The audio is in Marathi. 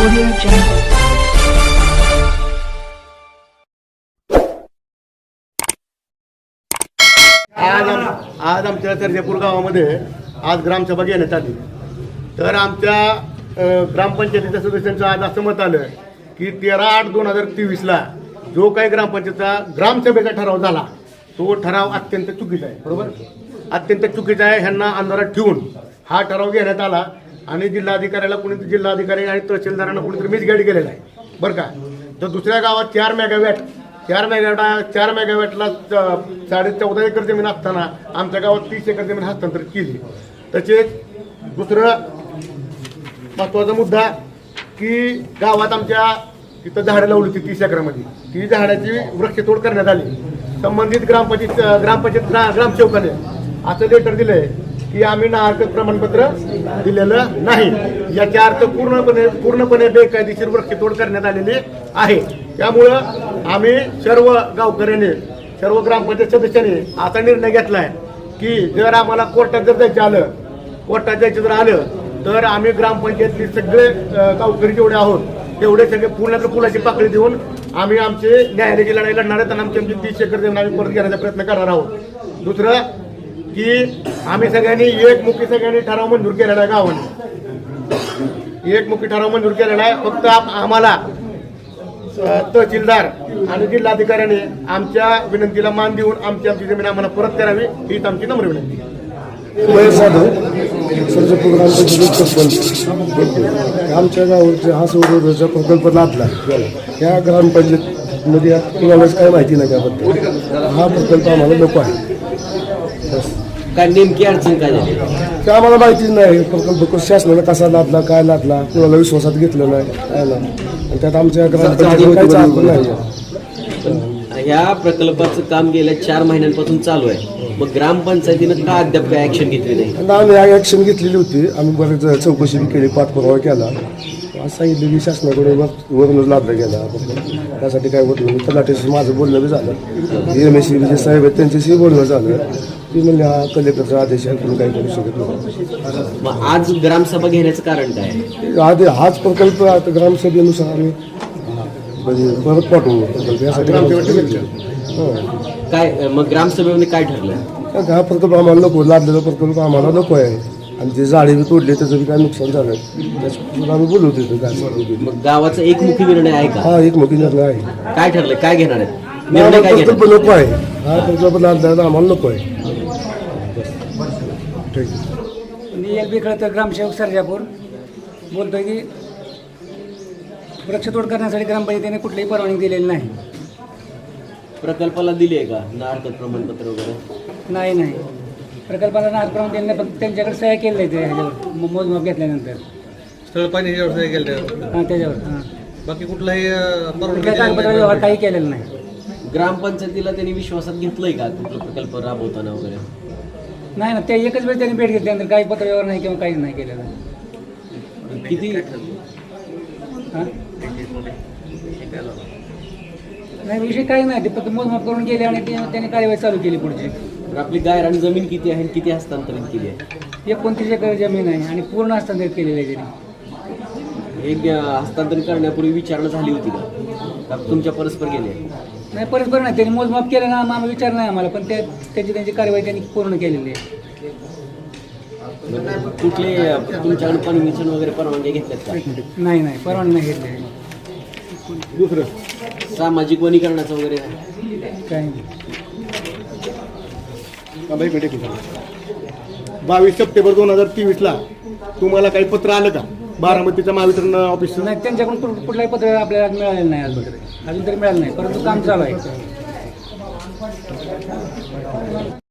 Audio Jungle. आज आमच्या सर्जेपूर गावामध्ये आज ग्रामसभा घेण्यात आली. तर आमच्या ग्रामपंचायतीच्या सदस्यांचं आज असं मत आलं की 13/8/2023 जो काही ग्रामपंचायतचा ग्रामसभेचा ठराव झाला तो ठराव अत्यंत चुकीचा आहे. बरोबर, अत्यंत चुकीचा आहे. ह्यांना अंधारात ठेवून हा ठराव घेण्यात आला आणि जिल्हाधिकाऱ्याला कोणीतरी जिल्हाधिकारी आणि तहसीलदारांना कोणीतरी मिसगाईड केलेला आहे. बरं का. तर दुसऱ्या गावात 4 मेगावॅटला 14.5 एकर जमीन असताना आमच्या गावात 30 एकर जमीन हस्तांतरित केली. तसेच दुसरं महत्त्वाचा मुद्दा की गावात आमच्या तिथं झाडं लावली होती 30 एकरामध्ये. ती झाडाची वृक्षतोड करण्यात आली. संबंधित ग्रामसेवकाने असं लेटर दिलंय की आम्ही नाहरकत प्रमाणपत्र दिलेलं नाही. याचा अर्थ पूर्णपणे बेकायदेशीर वृक्षतोड करण्यात आलेली आहे. त्यामुळं आम्ही सर्व गावकऱ्यांनी, सर्व ग्रामपंचायत सदस्यांनी असा निर्णय घेतलाय की जर आम्हाला कोर्टात जर जायचं आलं तर आम्ही ग्रामपंचायतले सगळे गावकरी जेवढे आहोत तेवढे सगळे पुण्यातल्या पुलाची पाकळी देऊन आम्ही आमचे न्यायालयाची लढाई लढणार आहेत आणि आमची 30 एकर जमीन आम्ही परत घेण्याचा प्रयत्न करणार आहोत. दुसरं की आम्ही सगळ्यांनी एकमुखी ठराव मंजूर केलेला आहे. गावाने एकमुखी ठराव मंजूर केलेला आहे. फक्त आम्हाला तहसीलदार आणि जिल्हाधिकाऱ्याने आमच्या विनंतीला मान देऊन आमची जमीन आम्हाला परत करावी हीच आमची नम्र विनंती. आमच्या गावाचा हा सौरऊर्जेचा प्रकल्प लादला. या ग्रामपंचायतमध्ये कुणालाच काय माहिती नाही त्याबद्दल. हा प्रकल्प आम्हाला नको आहे. काय नेमकी अडचण काय झाली ते आम्हाला माहितीच नाही. प्रकल्प शासनानं कसा लादला, काय लादला, कुणाला विश्वासात घेतलं नाही, काय नाही. आणि त्यात आमच्या ग्रामपंचायतीला काहीच अर्थ नाही. ह्या प्रकल्पाचं काम गेल्या 4 महिन्यांपासून चालू आहे. मग ग्रामपंचायतीनं का अद्याप काय ऍक्शन घेतली नाही? आणि आम्ही ॲक्शन घेतलेली होती. आम्ही बरेच चौकशी केली, पाठपुरावा केला. असं सांगितलं की शासनाकडे वरूनच लादला गेला. त्यासाठी काय होत नाही. तलाठ्याशी माझं बोलणं बी झालं. MSC जे साहेब आहेत त्यांच्याशी बोलणं झालं. ती म्हणजे हा कलेक्टरचा आदेश आहे, आपण काही करू शकत नाही. मग आज ग्रामसभा घेण्याचं कारण काय? हाच प्रकल्प आता ग्रामसभेनुसार आम्ही म्हणजे परत पाठवू प्रकल्प यासाठी. काय मग ग्रामसभेमध्ये काय ठरलं? हा प्रकल्प आम्हाला नको, लादलेला प्रकल्प आम्हाला नको आहे. आणि जे झाडे बी तोडले त्याचं बी काय नुकसान झालं त्याच्यापासून आम्ही बोलवतो तिथं. मग गावाचा एकमुखी निर्णय आहे का? हा एकमुखी निर्णय आहे. काय ठरलं, काय घेणार आहे? निर्णय काय प्रकल्प नको आहे. हा प्रकल्प लादलेला आम्हाला नको आहे. ठीक आहे. मी एक बिखळ तर ग्रामसेवक सर्जापूर बोलतोय की वृक्षतोड करण्यासाठी ग्रामपंचायतीने कुठलीही परवानगी दिलेली नाही. प्रकल्पाला दिली आहे का नाहरकत प्रमाणपत्र वगैरे? नाही प्रकल्पाला नाहरकत दिले नाही. फक्त त्यांच्याकडे सह्या केलेल्या आहेत ह्याच्यावर मोजमाप घेतल्यानंतर. स्थळ पाणी ह्याच्यावर सह्या केल्या हां त्याच्यावर. हां बाकी कुठलाही कुठल्या कागदपत्र व्यवहार काही केलेला नाही. ग्रामपंचायतीला त्यांनी विश्वासात घेतलंय का कुठला प्रकल्प राबवताना वगैरे? नाही ना, ते एकच वेळ त्यांनी भेट घेतल्यानंतर काही पत्र व्यवहार नाही किंवा काहीच नाही केलेलं. किती हां नाही विषय काही नाही. ते फक्त मोजमाप करून गेले आणि त्यांनी कार्यवाही चालू केली पुढची. आपली गायरान जमीन किती आहे, किती हस्तांतरित केली आहे? 29 एकर जमीन आहे आणि पूर्ण हस्तांतरित केलेली आहे त्यांनी. हे हस्तांतरित करण्यापूर्वी विचारणा झाली होती का तुमच्या परस्पर गेले? नाही परस्पर नाही. त्यांनी मोजमाप केलं ना, आम्हाला विचार नाही आम्हाला. पण त्यांची कार्यवाही त्यांनी पूर्ण केलेली आहे. कुठले तुमच्याकडे परमिशन वगैरे परवानगी घेतल्यात का? नाही परवानगी नाही घेतली. दुसरं सामाजिक वनीकरणाचं वगैरे काही नाही. 22 सप्टेंबर 2023 तुम्हाला काही पत्र आलं का बारामतीच्या महावितरण ऑफिस? नाही त्यांच्याकडून कुठलाही पत्र आपल्याला मिळालेलं नाही आज वगैरे. अजून तरी मिळालं नाही, परंतु काम चालू आहे.